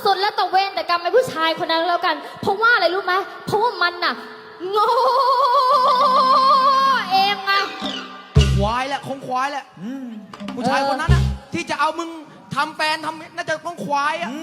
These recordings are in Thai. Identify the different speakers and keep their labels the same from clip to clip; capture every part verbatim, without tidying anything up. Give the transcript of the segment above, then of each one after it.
Speaker 1: สุดแล้วตะเวนแต่กรรมไอ้ผู้ชายคนนั้นแล้วกันเพราะว่าอะไรรู้ไหมเพราะว่ามันน่ะโง่เองอะ
Speaker 2: ควายแหละคงควายแหละผู้ชายคนนั้นน่ะที่จะเอามึงทำแฟนทำน่าจะต้องควายอ่ะ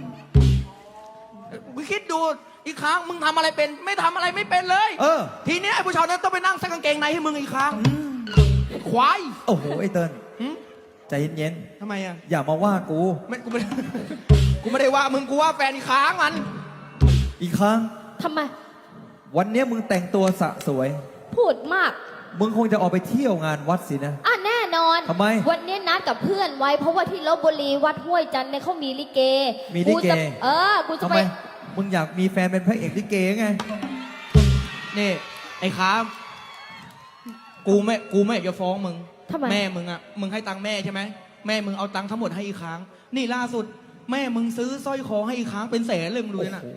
Speaker 2: มึงคิดดูอีกครั้งมึงทำอะไรเป็นไม่ทำอะไรไม่เป็นเลยเออทีนี้ไอ้ผู้ชายนั้นต้องไปนั่งซักกางเกงในให้มึงอีกครั้งควาย
Speaker 3: โอ้โหไอ้เติ้ลใจเย็น
Speaker 2: ๆทำไมอ่ะ
Speaker 3: อย่ามาว่ากู
Speaker 2: ไม่กูไม่กูไม่ได้ว่ามึงกูว่าแฟนอีกครั้งมัน
Speaker 3: อีกครั้ง
Speaker 1: ทำไม
Speaker 3: วันนี้มึงแต่งตัวสะสวย
Speaker 1: พูดมาก
Speaker 3: มึงคงจะออกไปเที่ยวงานวัดสินะ
Speaker 1: อ่ะแน่นอน
Speaker 3: ทำไม
Speaker 1: วันนี้นัดกับเพื่อนไว้เพราะว่าที่ลพบุรีวัดห้วยจันทร์เนี่ยเขามีลิเก
Speaker 3: มีลิเก
Speaker 1: เออกูจะไป
Speaker 3: มึงอยากมีแฟนเป็นพระเอกลิเกไง
Speaker 2: นี่ไอ้ค้ากูไม่กูไม่อยากจะฟ้องมึงแม่มึงอ่ะมึงให้ตังค์แม่ใช่ไหมแม่มึงเอาตังค์ทั้งหมดให้อีกครั้งนี่ล่าสุดแม่มึงซื้อสร้อยคอให้อีกครั้งเป็นแสนเลยมึงดูนะ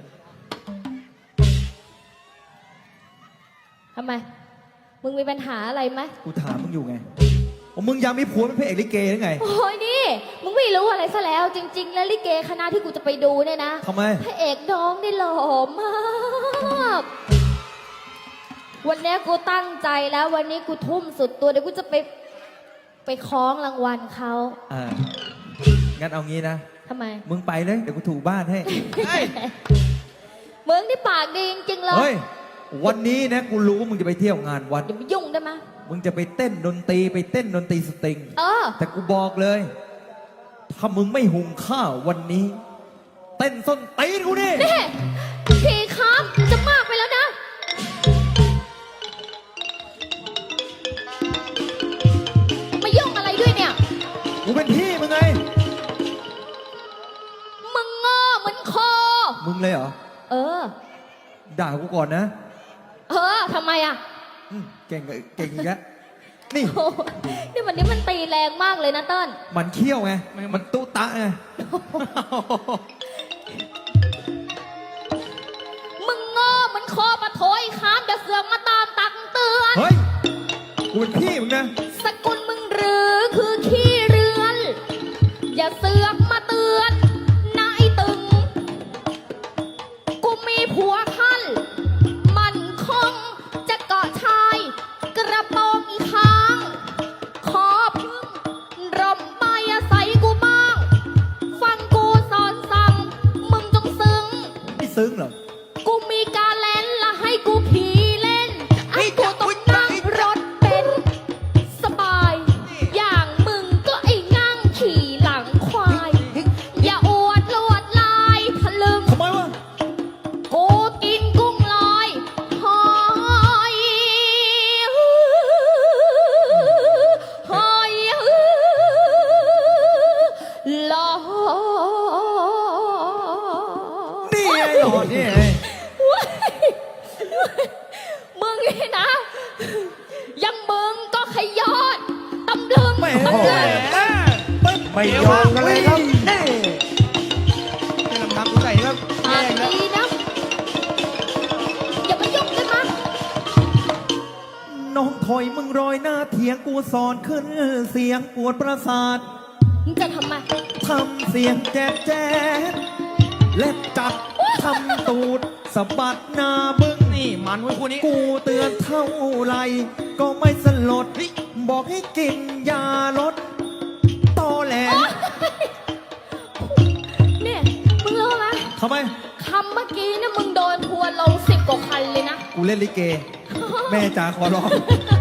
Speaker 1: ทำไมมึงมีปัญหาอะไรไหม
Speaker 3: กูถามมึงอยู่ไงมึงอยากมีผัวเป็นพระเอกลิเกหรือไง
Speaker 1: โอ้ยนี่มึงไม่รู้อะไรซะแล้วจริงๆแล้วลิเกคณะที่กูจะไปดูเนี่ยนะ
Speaker 3: ทำไม
Speaker 1: พระเอกน้องได้หล่อมากวันนี้กูตั้งใจแล้ววันนี้กูทุ่มสุดตัวเดี๋ยวกูจะไปไปคล้องรางวัลเขา
Speaker 3: อ่างั้นเอางี้นะ
Speaker 1: ทำไม
Speaker 3: มึงไปเลยเดี๋ยวกูถูบ้านให้
Speaker 1: มึงนี่ปากดีจริงๆเลย
Speaker 3: เฮ้ยวันนี้นะกูรู้ว่ามึงจะไปเที่ยวงานวัด
Speaker 1: อย่าไปยุ่งได้ไหม
Speaker 3: มึงจะไปเต้นดนตรีไปเต้นดนตรีสตริง
Speaker 1: เออ
Speaker 3: แต่กูบอกเลยถ้ามึงไม่หุงข้าววันนี้เต้นส้นตีนกูนี่
Speaker 1: นี่พี่ครับจะมากไปแล้วนะมายุ่งอะไรด้วยเนี่ย
Speaker 3: กูเป็นพี่มึงไง
Speaker 1: มึงงอเหมือนคอ
Speaker 3: มึงเลยเหรอ
Speaker 1: เออ
Speaker 3: ด่ากูก่อนนะ
Speaker 1: เออทำไมอ่ะ
Speaker 3: เก่งเก่งอีกแล้วนี่
Speaker 1: นี่วันนี้มันตีแรงมากเลยนะเติ้ล
Speaker 3: มันเขี้ยวไงมันตุ๊ตะไง
Speaker 1: มึงงอเหมือนคอปะโถยข้ามจะเสือกมาตามตักเตือน
Speaker 3: เฮ้ยกูเป็นพี่มึงนะ
Speaker 1: สกุลมึงหรือคือขี้เรือนอย่าเสือกมาเตือนนายตึงกูมีผัวคันมันคงจะเกาะชายกระโปรงอีกครั้งขอพึ่งร่มใบอาศัยกูบ้างฟังกูสอนสั่งมึงจงซึ้ง
Speaker 3: ไม่ซึ้งเหรอ
Speaker 1: กูมีการเล่นและให้กูขี่เล่นให้กูต้องนั่งรถเป็นสบายอย่างมึงก็ไอ้นั่งขี่หลังควายอย่าอวดลวดลายทะลึ่ง
Speaker 3: ทำไมวะ
Speaker 1: กูกินกุ้งลอยหอยหอยลอย
Speaker 3: นี่ไงหล่อนี่ไง
Speaker 1: มึงนี่นะยังมึงก็ขยอดตำลึง
Speaker 3: ไม่
Speaker 1: ตำลึง
Speaker 3: ไม่ยอมกันเลยครับ
Speaker 2: นี่ให้ลำพังกูใส่ครับ
Speaker 1: ปากดีนะอย่ามายุ่งได้มั้ย
Speaker 3: น้องถอยมึงรอยหน้าเถียงกูสอนขึ้นเสียงปวดประสาท
Speaker 1: มึงจะทำไม
Speaker 3: ทำเสียงแจ๊ดแจ๊ดเล็บจับทำตูดสะบัดหน้าบึ้ง
Speaker 2: นี่มันไว้คู่นี้
Speaker 3: กูเตือนเท่าไรก็ไม่สลดบอกให้กินยาลดตอแหล
Speaker 1: เนี่ยมึงรู้ไหม
Speaker 3: ทำไม
Speaker 1: คำเมื่อกี้เนี่ยมึงโดนทัวร์ลงสิบกว่าคันเลยนะ
Speaker 3: กูเล่นลิเกแม่จ๋าขอร้อง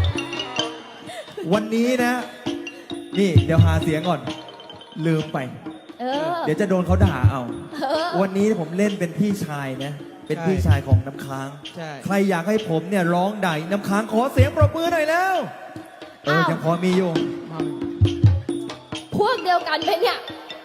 Speaker 3: วันนี้นะนี่เดี๋ยวหาเสียงก่อนลืมไป
Speaker 1: เออ
Speaker 3: เดี๋ยวจะโดนเขาด่าเอาวันนี้ผมเล่นเป็นพี่ชายนะเป็นพี่ชายของน้ำค้างใครอยากให้ผมเนี่ยร้องด่าน้ำค้างขอเสียงปรบมือหน่อยแล้วเออยังพอมีอยู่
Speaker 1: พวกเดียวกันไหมเนี่ย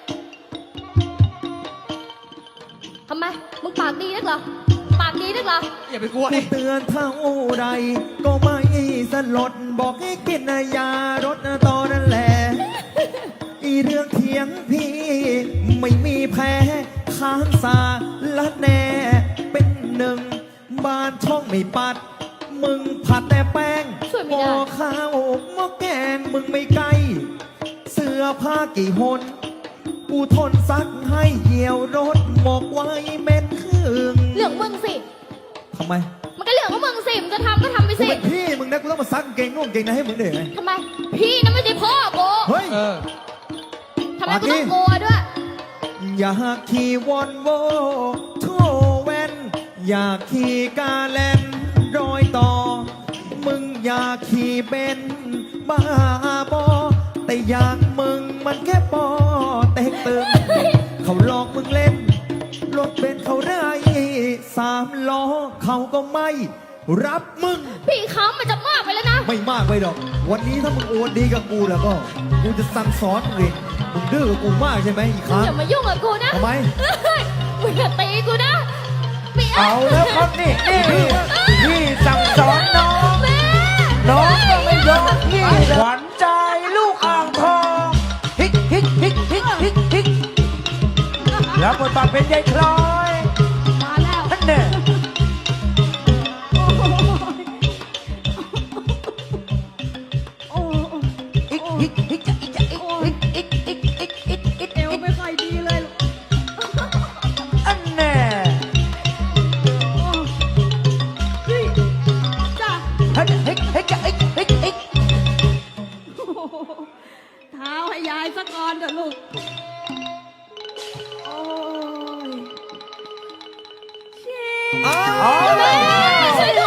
Speaker 1: ทำไมมึงปากดีนักเหรอปากดีนักเหรอ
Speaker 2: อย่าไปกลัวดิ
Speaker 3: เตือนเท่าใดก็ไม่สลดบอกให้กินยารถตอนนั้นแหละอีเรื่องเถียงพี่ไม่มีแพ้ค้างสาละแน่เป็นหนึ่งบ้านช่องไม่ปัดมึงผัดแต่แป้งหม้อข้าวหม้อแกงมึงไม่ไกลเสื้อผ้ากี่หนกูทนซักให้เหี่ยวรถหมกไว้เม็ดครึ่ง
Speaker 1: เรื่องมึงสิ
Speaker 3: ทำไม
Speaker 1: มันก็เรื่องของมึงสิมึงจะทำก็ทำไป
Speaker 3: กู
Speaker 1: สิ
Speaker 3: เป็นพี่มึงนะกูต้องมาซักกางเกงนุ่งกางเกงในให้มึงได้ยังไง
Speaker 1: ทำไม พี่นะไม่ใช่พ่อกู
Speaker 3: เฮ้ย
Speaker 2: เออ
Speaker 1: ทำไมกูต้องกลัวด้วย
Speaker 3: อยากขี่วอนโวโทแวนอยากขี่กาแลนรอยต่อ มึงอยากขี่เบนซ์บ้าบอแต่อยากมึงมันแค่ปอเต็กตึงเขาหลอกมึงเล่น รถเบนซ์เขาไร้สามล้อเขาก็ไม่รับมึง
Speaker 1: พี่ค้ำมันจะมากไปแล้วนะ
Speaker 3: ไม่มากไปหรอก วันนี้ถ้ามึงโอนดีกับกูแล้วก็ กูจะสั่งสอนมึงเองมึงดื้อกับกูมากใช่ไหมอีกค
Speaker 1: มึง
Speaker 3: รั้ง
Speaker 1: อย่ามายุ่งกับกูนะ
Speaker 3: ทำไม
Speaker 1: เฮ้ยมึงอย่าตีกูนะไม่
Speaker 4: เอาแล้วครับนี่นี่พี่สั่งสอนน้อง
Speaker 1: แม่
Speaker 4: น้องก็ไม่ยอมพี่ขวัญใจลูกอ่างทองฮิกฮิกฮิกฮิกฮิกฮิกแล้วบทบาทเป็นยายคล้อย
Speaker 1: มาแล้ว
Speaker 4: ท่านเนี่ยฮิกฮิกฮิกจะฮิกจะฮิกฮิกฮิกฮิกฮิกฮิกฮิก
Speaker 1: เอวไม่ค่อยดีเลยลูก
Speaker 4: อันแน่
Speaker 1: จ้ะ
Speaker 4: ฮิกฮิกฮิกจะฮิกฮิกฮิก
Speaker 1: เท้าให้ยายสักก่อนเถอะลูก โอ้ยเชี่ย
Speaker 3: อ้าว
Speaker 4: อ๋อ
Speaker 1: แม่ช่วยด้วย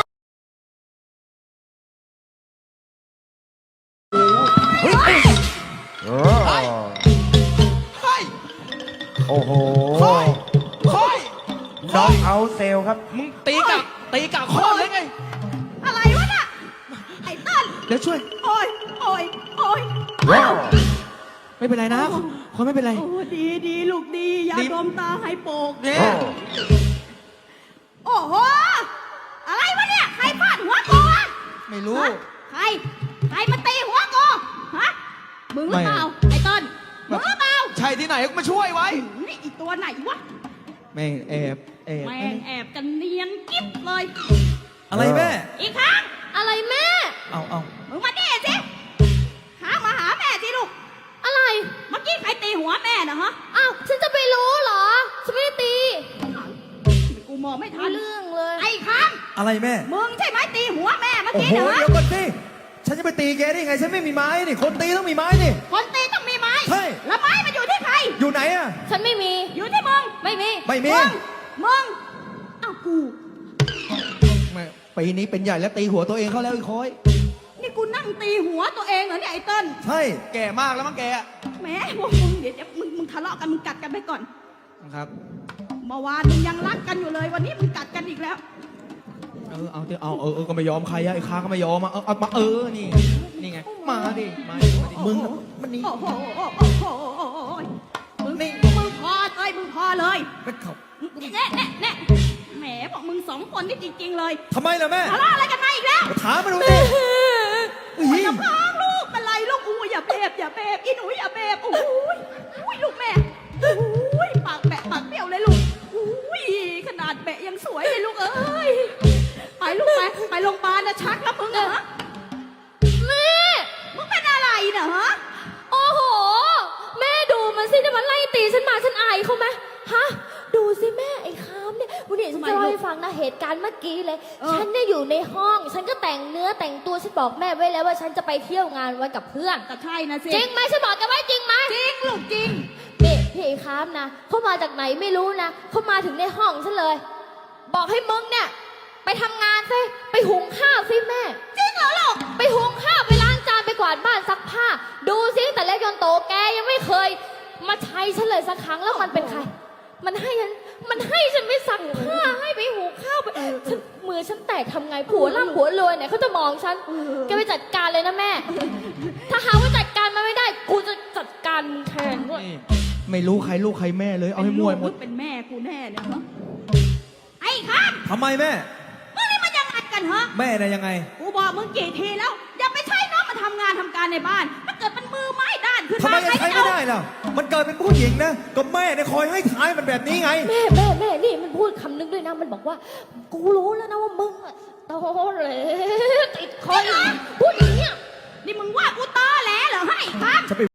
Speaker 4: เฮ้ยเออ
Speaker 2: เฮ้ย
Speaker 4: โอ้โห
Speaker 2: ค่อยค่อย
Speaker 4: น้องเอาเซลครับ
Speaker 2: มึงตีกับตีกับข้อเลยไง
Speaker 1: อะไรวะน่ะ ไอ้ต้น
Speaker 2: เดี๋ยวช่วย
Speaker 1: โอ้ย โอ้ย โอ้ย
Speaker 2: ไม่เป็นไรนะคอยไม่เป็นไร
Speaker 5: โอ้ดีดีลูกดียา
Speaker 2: ดี
Speaker 5: ดมตาให้โปก
Speaker 2: เนี่ย
Speaker 5: โอ้โห อะไรวะเนี่ย ใครฟาดหัวกูอะ
Speaker 2: ไม่รู้
Speaker 5: ฮะใคร ใครมาตีหัวกูฮะ มึงหรือเปล่า ไอ้ต้นมึงหรือเปล่า
Speaker 2: ใช่ที่ไหนก็มาช่วยไว้
Speaker 5: นี่อีตัวไหนวะ
Speaker 2: แม่งแอบแอบ
Speaker 5: แม่งแอบกันเนียนกิ๊บเลย
Speaker 3: อะไรแม่
Speaker 5: อีกครั้ง
Speaker 1: อะไรแม่
Speaker 3: เอาเอา
Speaker 5: มึงมาดิสิหามาหาแม่สิลูก
Speaker 1: อะไร
Speaker 5: เมื่อกี้ใครตีหัวแม่นะฮะ
Speaker 1: อ้าว ฉันจะไปรู้เหรอ ฉันไม่ได้ตี
Speaker 5: กูมองไม่ทั
Speaker 1: ไม่
Speaker 5: น
Speaker 1: เรื่องเลย
Speaker 5: ไอ้ครั้ง
Speaker 3: อะไรแม่
Speaker 5: มึงใช่ไหมตีหัวแม่เมื่อ
Speaker 3: โอ้
Speaker 5: กี้
Speaker 3: โห
Speaker 5: นะฮะ
Speaker 3: เดี๋ยวก่อนสิฉันจะไปตีแกได้ยังไง ฉันไม่มีไม้นี่ คนตีต้องมีไม้นี่
Speaker 5: คนตีต้องมีไม้
Speaker 3: ใช่
Speaker 5: แล้วไม้มันอยู่ที่ใคร
Speaker 3: อยู่ไหนอะ
Speaker 1: ฉันไม่มี
Speaker 5: อยู่ที่มึง
Speaker 1: ไม่มี
Speaker 3: ไม่มี
Speaker 5: มึง มึง เอ้ากู
Speaker 2: แม่ปีนี้เป็นใหญ่แล้วตีหัวตัวเองเข้าแล้วอีกคอย
Speaker 5: นี่กูนั่งตีหัวตัวเองเหรอเนี่ยไอ้เติ้ล
Speaker 3: ใช่
Speaker 2: แก่มากแล้วมั้งแกอะ
Speaker 5: แหมพวกมึงเดี๋ยวเดี๋ยวมึงมึงทะเลาะกันมึงกัดกันไปก่อน
Speaker 2: ครับ
Speaker 5: เมื่อวานมึงยังรักกันอยู่เลย วันนี้มึงกัดกันอีกแล้ว
Speaker 2: เออเอาเถอะเอาเออเออก็ไม่ยอมใครอะไอ้ค้าก็ไม่ยอมมาเอาเอามาเออนี่นี่ไงมาดิมาดิมาดิ
Speaker 3: มึงน่ะมันนี่
Speaker 5: โอ้โหโอ้โหโอ้โหโอ้โหมึงนี่มึงพอเลยมึงพอเลย
Speaker 3: ไม่เขา
Speaker 5: แน่แน่แน่แหมบอกมึงสองคนนี่จริง ๆ เลย
Speaker 3: ทำไมล่ะแม่
Speaker 5: ทะเลาะอะไรกันมาอีกแล้ว
Speaker 3: ถามมาดูสิอุ้ย
Speaker 5: อย่าพังลูกเป็นไรลูกอู้อย่าเบบอย่าเบบอีหนูอย่าเบบโอ้ยอุ้ยลูกแม่โอ้ยปากแบะปากเปรี้ยวเลยลูกอุ้ยขนาดแบะยังสวยเลยลูกเอ้ยไปลูกไปไปโรงพยาบาลนะชักแล้วมึงเหรอ
Speaker 1: แม่
Speaker 5: มึงเป็นอะไรเนะฮะ
Speaker 1: โอ้โห แม่ดูมันสิเนี่ยมันไล่ตีฉันมาฉันอายเขาไหมฮะ ดูสิแม่ไอ้คามเนี่ยวันนี้ฉันจะเล่าให้ฟังนะเหตุการณ์เมื่อกี้เลย ฉันเนี่ยอยู่ในห้อง ฉันก็แต่งเนื้อแต่งตัวฉันบอกแม่ไว้แล้วว่าฉันจะไปเที่ยวงานวันกับเพื่อน
Speaker 5: ก็ใช่นะสิ
Speaker 1: จริงไหมฉันบอกกันไว้จริงไหม
Speaker 5: จริงลูกจริง
Speaker 1: นี่พี่ไอ้คามนะเขามาจากไหนไม่รู้นะเขามาถึงในห้องฉันเลย บอกให้มึงเนี่ย ไปทำงานสิไปหุงข้าวสิแม่
Speaker 5: จริงเหรอลูก
Speaker 1: ไปหุงข้าวไปล้างจานไปกวาดบ้านซักผ้า ดูสิแต่เล็กจนโตแกยังไม่เคย มาใช้ฉันเลยสักครั้งแล้วมันเป็นใคร มันให้ฉันมันให้ฉันไปซักผ้าให้ไปหุงข้าวไปฉันมือฉันแตกทำไงผัวร่ำผัวรวยเนี่ยเขาจะมองฉันแกไปจัดการเลยนะแม่ ถ้าหาว่าจัดการมันไม่ได้กูจะจัดการมึงแทนด้วย
Speaker 2: นี่ไม่รู้ใครลูกใครแม่เลยเอาให้มวยหมด
Speaker 5: เป็นแม่กูแน่เนี่ยฮะไอ้ครับ
Speaker 3: ทำไมแม่
Speaker 5: มึงนี่มันยังไงกันฮะ
Speaker 3: แม่น่ะยังไง
Speaker 5: กูบอกมึงกี่ทีแล้ว อย่าไปใช้น้องมาทำงานทำการในบ้าน ถ้าเกิดมันมือไม้ด้านขึ้น
Speaker 3: ทำไม
Speaker 5: มา
Speaker 3: จะใช้ไม่ได้ล่ะ มันเกิดเป็นผู้หญิงนะ ก็แม่เนี่ยคอยให้ท้ายมันแบบนี้ไง
Speaker 1: แม่แม่แม่นี่มันพูดคำนึงด้วยนะมันบอกว่า กูรู้แล้วนะว่ามึงอะโตเลยติดคอยพูดอย่างเนี้ย
Speaker 5: นี่มึงว่ากูตอแหลเหรอให้ครับ
Speaker 3: จะไป